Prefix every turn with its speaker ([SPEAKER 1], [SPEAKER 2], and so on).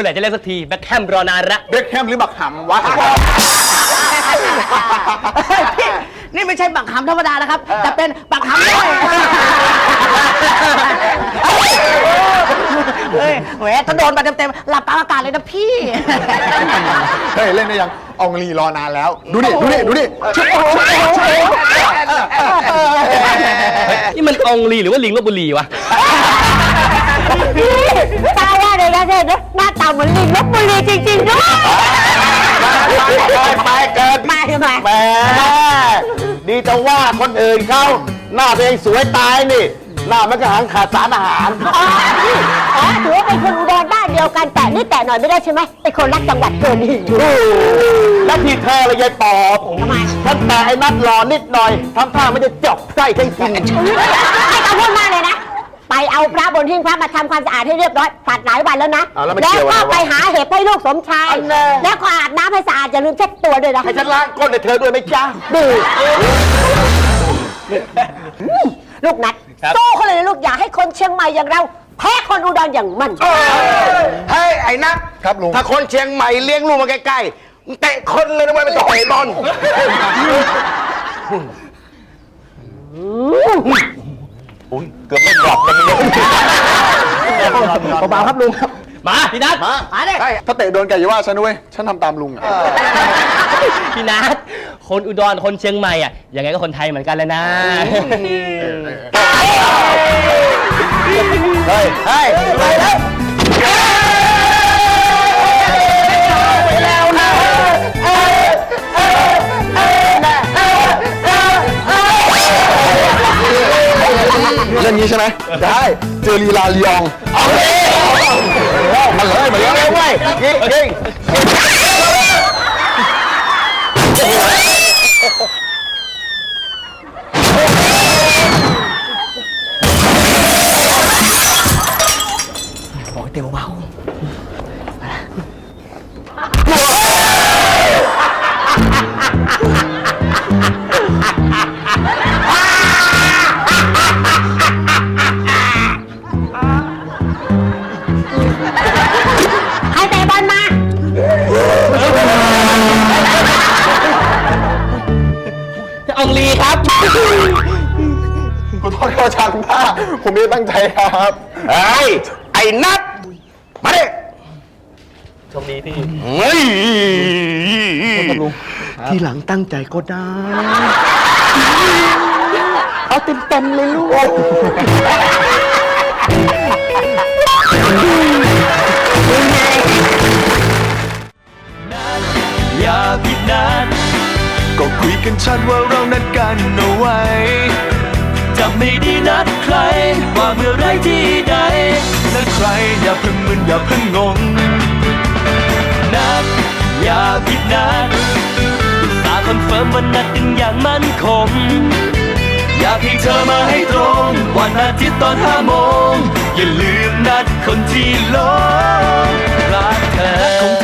[SPEAKER 1] อไหร่จะเล่นสักทีแบ็คแฮมรอนานละ
[SPEAKER 2] เบ็คแฮมหรือบักหำวะ
[SPEAKER 3] พี่นี่ไม่ใช่บักหำธรรมดานะครับแต่เป็นบักหำด้วยเฮ้ยแหมถ้าโดนมาเต็มๆหลับตาอากาศเลยนะพี่
[SPEAKER 2] เฮ้ยเล่นได้ยังอองลีรอนานแล้วดูดิ
[SPEAKER 1] นี่มันองลีหรือว่าลิงลพบุรีวะ
[SPEAKER 4] ตาว่าเลยนะเด็กหน้าตาเหมือนลิงลพบุรีจริงๆด้วย
[SPEAKER 5] ไปเกินแหมดีจะว่าคนอื่นเขาหน้าตัวเองสวยตายนี่หน้ามันก็หางขาดสารอาหาร
[SPEAKER 4] ถือว่าเป็นคนอุดรบ้านเดียวกันแต่นี่แต่หน่อยไม่ได้ใช่ไหมเป็นคนรักจังหวัดเกินหิว
[SPEAKER 5] แล้วที่เธอเลยยายปอบ
[SPEAKER 4] ทำไม
[SPEAKER 5] ฉันแต่ไอ้นัดรอนิดหน่อยทำท่าไม่ได้จบไส้ทั้งกิน
[SPEAKER 4] ให้เขาพูดมากเลยนะไปเอาพระบนหิ้งพระมาทำความสะอาดให้เรียบร้อยผัดหลายวันแล้วนะแล้วก็ไปหาเห็บให้ลูกสมชายแล้วก็อาบน้ำให้สะอาดอย่าลืมเช็ดตัวด้วยนะ
[SPEAKER 5] ให้ฉันล้างก้นให้เธอด้วยไหมจ๊ะ
[SPEAKER 4] ดีลูกนัดสู้เขาเลยนะลูกอย่าให้คนเชียงใหม่อย่างเราแพ้คนอุดรอย่างมัน
[SPEAKER 5] เฮ้ยไอ้นัก
[SPEAKER 2] ครับลุง
[SPEAKER 5] ถ้าคนเชียงใหม่เลี้ยงลูกมาใกล้ๆเตะคนเลยนะไม่ต้องเตะบอลเกือบไม่หลับเลย
[SPEAKER 2] เบาๆครับลุงครับ
[SPEAKER 1] มาพี่นัท
[SPEAKER 3] มาเลย
[SPEAKER 2] ถ้าเตะโดนแกอย่าว่าฉันด้วยฉันทำตามลุง
[SPEAKER 1] พี่นัทคนอุดรคนเชียงใหม่อ่ะยังไงก็คนไทยเหมือนกันเลยนะ
[SPEAKER 5] เฮ้ย
[SPEAKER 2] เล่นนี้ใช่ไหมได้เจอลีลาลียองมาเลย
[SPEAKER 5] เว้ยยิง
[SPEAKER 3] บอกเต็มเบา
[SPEAKER 4] ให้เตะบอลมา
[SPEAKER 1] องลีครับ
[SPEAKER 2] ขอโทษเขาช่างท่าผมไม่ตั้งใจครับ
[SPEAKER 5] ไอ้นัทมาดิ
[SPEAKER 1] โชคดีพี่
[SPEAKER 5] เฮ้ย
[SPEAKER 3] ทีหลังตั้งใจก็ได้เอาเต็มเลยลูก
[SPEAKER 6] อย่าผิดนัดก็คุยกันชัดว่าเรานัดกันเอาไว้จะไม่ได้นัดใครว่าเมื่อไรที่ใดนัดใครอย่าเพิ่งมึนอย่าเพิ่งงงนัดอย่าผิดนัดอุตส่าห์คอนเฟิร์มว่านัดกันอย่างมั่นคงอยากให้เธอมาให้ตรงวันอาทิตย์ตอน5 โมงอย่าลืมนัดคนที่หลงรักเธอ